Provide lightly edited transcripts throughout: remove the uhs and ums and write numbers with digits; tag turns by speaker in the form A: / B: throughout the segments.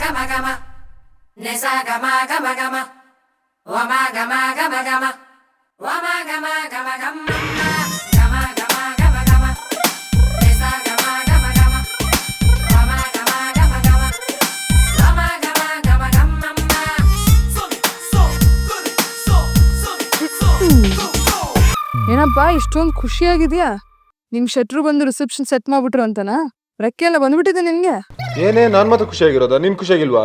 A: gama gama, nisa gama gama gama, wama gama gama gama, wama gama gama gama, gama gama gama gama, nisa gama gama gama, wama gama gama gama, wama gama gama gama.
B: ಏನಪ್ಪ ಇಷ್ಟೊಂದು ಖುಷಿಯಾಗಿದ್ಯಾ? ನಿಮ್ ಶೆಟ್ರು ಬಂದು reception set ಮಾಡ್ಬಿಟ್ರು ಅಂತನಾ? ರೆಕ್ಕೆ ಎಲ್ಲ ಬಂದ್ಬಿಟ್ಟಿದೆ ನಿನ್ಗೆ?
C: ಏನೇ ನಾನ್ ಮಾತ್ರ ಖುಷಿಯಾಗಿರೋದ, ನಿನ್ ಖುಷಿಯಾಗಿಲ್ವಾ?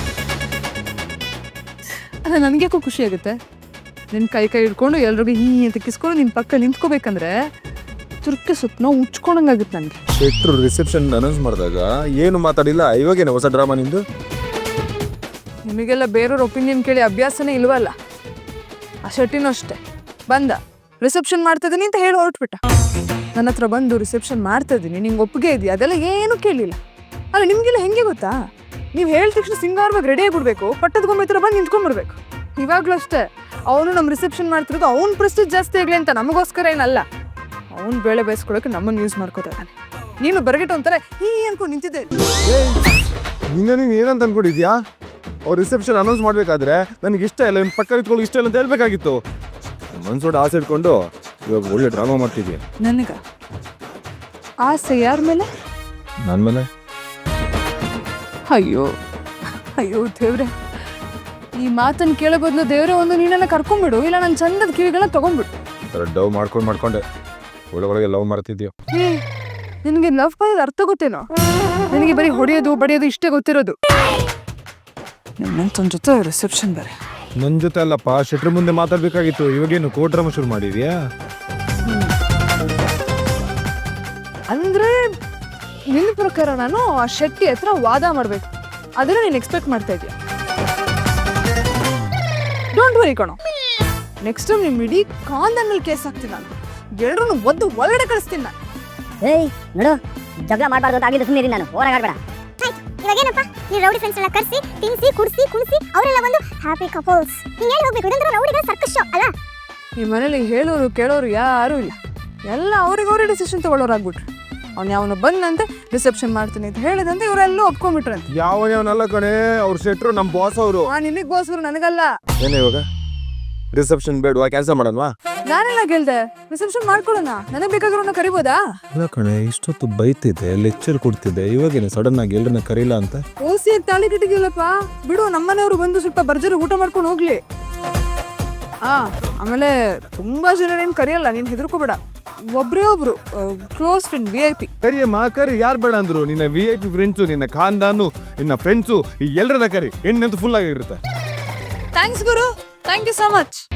B: ಅದ ನನ್ಗ್ಯಾಕೋ ಖುಷಿ ಆಗುತ್ತೆ. ನಿನ್ ಕೈ ಹಿಡ್ಕೊಂಡು ಎಲ್ರಿಗೂ ಅಂತ ಕಿಸ್ಕೊಂಡು ನಿನ್ ಪಕ್ಕ ನಿಂತ್ಕೋಬೇಕಂದ್ರೆ ತುರ್ಕೆ ಸುತ್ತ ಉಚ್ಕೊಂಡಂಗಾಗುತ್ತೆ ನನ್ಗೆ.
C: ಶೆಟ್ರು ರಿಸೆಪ್ಷನ್ ಅನೌನ್ಸ್ ಮಾಡಿದಾಗ ಏನು ಮಾತಾಡಿಲ್ಲ, ಇವಾಗೇನೆ ಹೊಸ ಡ್ರಾಮಾ ನಿಂದು?
B: ನಿಮಗೆಲ್ಲ ಬೇರೆಯವ್ರ ಒಪಿನಿಯನ್ ಕೇಳಿ ಅಭ್ಯಾಸನೇ ಇಲ್ವಲ್ಲ. ಆ ಶೆಟ್ಟಿನೂ ಅಷ್ಟೇ, ಬಂದ ರಿಸೆಪ್ಷನ್ ಮಾಡ್ತಾ ಇದೀನಿ ಅಂತ ಹೇಳಿ ಹೊರಟ್ಬಿಟ್ಟ. ನನ್ನ ಹತ್ರ ಬಂದು ರಿಸೆಪ್ಷನ್ ಮಾಡ್ತಾ ಇದೀನಿ, ನಿಂಗೆ ಒಪ್ಪಿಗೆ ಇದೆಯಾ ಅದೆಲ್ಲ ಏನು ಕೇಳಿಲ್ಲ. ಅಲ್ಲ ನಿಮ್ಗೆಲ್ಲ ಹೆಂಗೆ ಗೊತ್ತಾ, ನೀವು ಹೇಳಿದ ತಕ್ಷಣ ಸಿಂಗಾರವಾಗಿ ರೆಡಿ ಆಗಿಬಿಡ್ಬೇಕು, ಪಟ್ಟದ ಗೊಂಬೆ ಹತ್ರ ಬಂದು ನಿಂತ್ಕೊಂಡ್ಬಿಡ್ಬೇಕು. ಇವಾಗಲೂ ಅಷ್ಟೇ, ಅವನು ನಮ್ಮ ರಿಸೆಪ್ಷನ್ ಮಾಡ್ತಿರೋದು ಅವ್ನ ಪ್ರೆಸ್ಟೀಜ್ ಜಾಸ್ತಿ ಆಗಲಿ ಅಂತ, ನಮಗೋಸ್ಕರ ಏನಲ್ಲ. ಅವ್ನು ಬೇಳೆ ಬೇಯಿಸ್ಕೊಳಕ್ಕೆ ನಮ್ಮನ್ನು ಯೂಸ್ ಮಾಡ್ಕೋತಾನೆ. ನೀನು ಬರಗಿಟ್ಟು ಒಂಥರ ಅನ್ಕೊಂಡು ನಿಂತಿದ್ದೆ.
C: ನೀನು ಏನಂತ ಅನ್ಕೊಂಡಿದ್ಯಾ? ಅವ್ರು ರಿಸೆಪ್ಷನ್ ಅನೌನ್ಸ್ ಮಾಡ್ಬೇಕಾದ್ರೆ ನನಗೆ ಇಷ್ಟ ಇಲ್ಲ, ನಿನ್ನ ಪಕ್ಕ ಇಟ್ಕೊಳ್ಳಿ ಇಷ್ಟ ಇಲ್ಲ ಅಂತ ಹೇಳ್ಬೇಕಾಗಿತ್ತು. ಮನ್ಸೋಡ ಆಸೆ ಇಟ್ಕೊಂಡು ಇವಾಗ ಒಳ್ಳೆ ಡ್ರಾಮಾ ಮಾಡ್ತಿದ್ಯಾ.
B: ನನಗ ಆಸೆ ಯಾರ ಮೇಲೆ?
C: ನನ್ನ ಮೇಲೆ.
B: ಅಯ್ಯೋ ಅಯ್ಯೋ ದೇವ್ರೆ, ಈ ಮಾತನ್ನು ಕೇಳೋ ಬದಲು ದೇವ್ರೆ ಒಂದು ನೀನೆಲ್ಲ ಕರ್ಕೊಂಡ್ಬಿಡು, ಇಲ್ಲ ನನ್ನ ಚಂದದ ಕಿವಿಗಳನ್ನ ತಗೊಂಡ್ಬಿಡು.
C: ಡವ್ ಮಾಡ್ಕೊಂಡೆ ಒಳಗೊಳಗೆ ಲವ್ ಮಾಡ್ತಿದ್ಯೋ.
B: ನಿನಗೆ ಲವ್ ಮಾಡೋದು ಅರ್ಥ ಗೊತ್ತೇನೋ? ನನಗೆ ಬರೀ ಹೊಡೆಯೋದು ಬಡಿಯೋದು ಇಷ್ಟೇ ಗೊತ್ತಿರೋದು. ನನ್ನ ಜೊತೆ ರಿಸೆಪ್ಷನ್ ಬೇರೆ.
C: ನನ್ನ ಜೊತೆ ಅಲ್ಲಪ್ಪ, ಶೆಟ್ರ್ ಮುಂದೆ ಮಾತಾಡ್ಬೇಕಾಗಿತ್ತು. ಇವಾಗೇನು ಕೋರ್ಟ್ ಡ್ರಾಮಾ ಶುರು ಮಾಡಿದ್ಯಾ?
B: ಅಂದ್ರೆ ನಿನ್ನ ಪ್ರಕಾರ ನಾನು ಆ ಶೆಟ್ಟಿ ಹತ್ರ ವಾದ ಮಾಡ್ಬೇಕು, ಅದನ್ನ ನೀನು ಎಕ್ಸ್ಪೆಕ್ಟ್ ಮಾಡ್ತಾ ಇದೀಯ. ಡೋಂಟ್ ವರಿ ಕಣೋ, ನೆಕ್ಸ್ಟ್ ಟೈಮ್ ನಿಮ್ ಇಡೀ ಕಾಂದಲ್ಲಿ ಕೇಸ್ ಹಾಕ್ತೀನಿ ನಾನು. ಎಲ್ಲರೂ ಒದ್ದು ಒಳಗಡೆ ಕಳಿಸ್ತೀನಿ ನಾನು.
D: ಏಯ್ ನೋಡು, ಜಗಳ ಮಾಡಬಾರ್ದು ಅಂತ ಆಗಿದ್ದು ಸುಮ್ಮನೆ ನಾನು, ಹೋರಾಡಬೇಡ.
E: ಇವಾಗೇನಪ್ಪ, ನೀವು ರೌಡಿ ಫ್ರೆಂಡ್ಸ್ ಎಲ್ಲ ಕರೆಸಿ ತಿನ್ಸಿ ಕುಡಿಸಿ ಕುಣಿಸಿ ಅವರೆಲ್ಲ ಒಂದು ಹ್ಯಾಪಿ ಕಪಲ್ಸ್. ನೀವು ಎಲ್ಲಿ ಹೋಗ್ಬೇಕು? ಇದಂದ್ರೆ ರೌಡಿಗಳ ಸರ್ಕಸ್ ಶೋ ಅಲ್ಲ.
B: ಈ ಮನೇಲಿ ಹೇಳೋರು ಕೇಳೋರು ಯಾರೂ ಇಲ್ಲ, ಎಲ್ಲ ಅವ್ರಿಗೆ ಡಿಸಿಷನ್ ತಗೊಳ್ಳೋರಾಗ್ಬಿಟ್ರು. ಅವ್ನು ಯಾವನು ಬಂದಂತೆ ರಿಸೆಪ್ಷನ್ ಮಾಡ್ತೀನಿ ಅಂತ ಹೇಳಿದಂತೆ ಇವರೆಲ್ಲೂ ಒಪ್ಕೊಂಡ್ಬಿಟ್ರಂತೆ.
C: ಯಾವನಲ್ಲ ಕಣೆ, ಅವ್ರ ಶೆಟ್ರು ನಮ್ಮ ಬಾಸ್ ಅವರು.
B: ನಿನಗೆ ಗೋಸ್ಕರ ನನಗಲ್ಲ.
C: ಏನೇ ಇವಾಗ ರಿಸೆಪ್ಷನ್ ಬೇಡವಾ, ಕ್ಯಾನ್ಸಲ್ ಮಾಡೋಣವಾ?
B: ನಾನೆಲ್ಲ ಕೇಳ್ದೆ, ರಿಸೆಪ್ಷನ್ ಮಾಡ್ಕೊಳ್ಳೋಣ, ನನಗೆ ಬೇಕಾಗಿರೋನ ಕರಿಬೋದಾ?
C: ಇಲ್ಲ ಕಣೆ, ಇಷ್ಟೊತ್ತು ಬೈತಿದ್ದೆ, ಲೆಕ್ಚರ್ ಕೊಡ್ತಿದ್ದೆ, ಇವಾಗೇನೆ ಸಡನ್ ಆಗಿ ಎಲ್ಲರನ್ನ ಕರೀಲ್ಲ ಅಂತ.
B: ಓಸಿ ತಾಳಿ ಕಟ್ಟಿದ್ಯಲ್ಲಪ್ಪ, ಬಿಡು, ನಮ್ಮನೆಯವರು ಬಂದು ಸ್ವಲ್ಪ ಭರ್ಜರಿ ಊಟ ಮಾಡ್ಕೊಂಡು ಹೋಗ್ಲಿ. ಆಮೇಲೆ ತುಂಬಾ ಜನ ಏನ್ ಕರಿಯಲ್ಲ, ನೀನ್ ಹೆದರ್ಕೋಬೇಡ. ಒಬ್ರೇ ಒಬ್ರು ಕ್ಲೋಸ್ ಫ್ರೆಂಡ್ VIP.
C: ಕರಿಯಮ್ಮ ಕರಿ, ಯಾರು ಬೇಡ ಅಂದ್ರು? ನಿನ್ನ VIP ಫ್ರೆಂಡ್ಸು, ನಿನ್ನ ಖಾನ್ದಾನು, ನಿನ್ನ ಫ್ರೆಂಡ್ಸು, ಎಲ್ಲರನ್ನ ಕರಿ, ಹೆಣ್ಣಂತೂ ಫುಲ್ ಆಗಿರುತ್ತೆ.
B: ಥ್ಯಾಂಕ್ಸ್ ಗುರು, ಥ್ಯಾಂಕ್ ಯು ಸೋ ಮಚ್.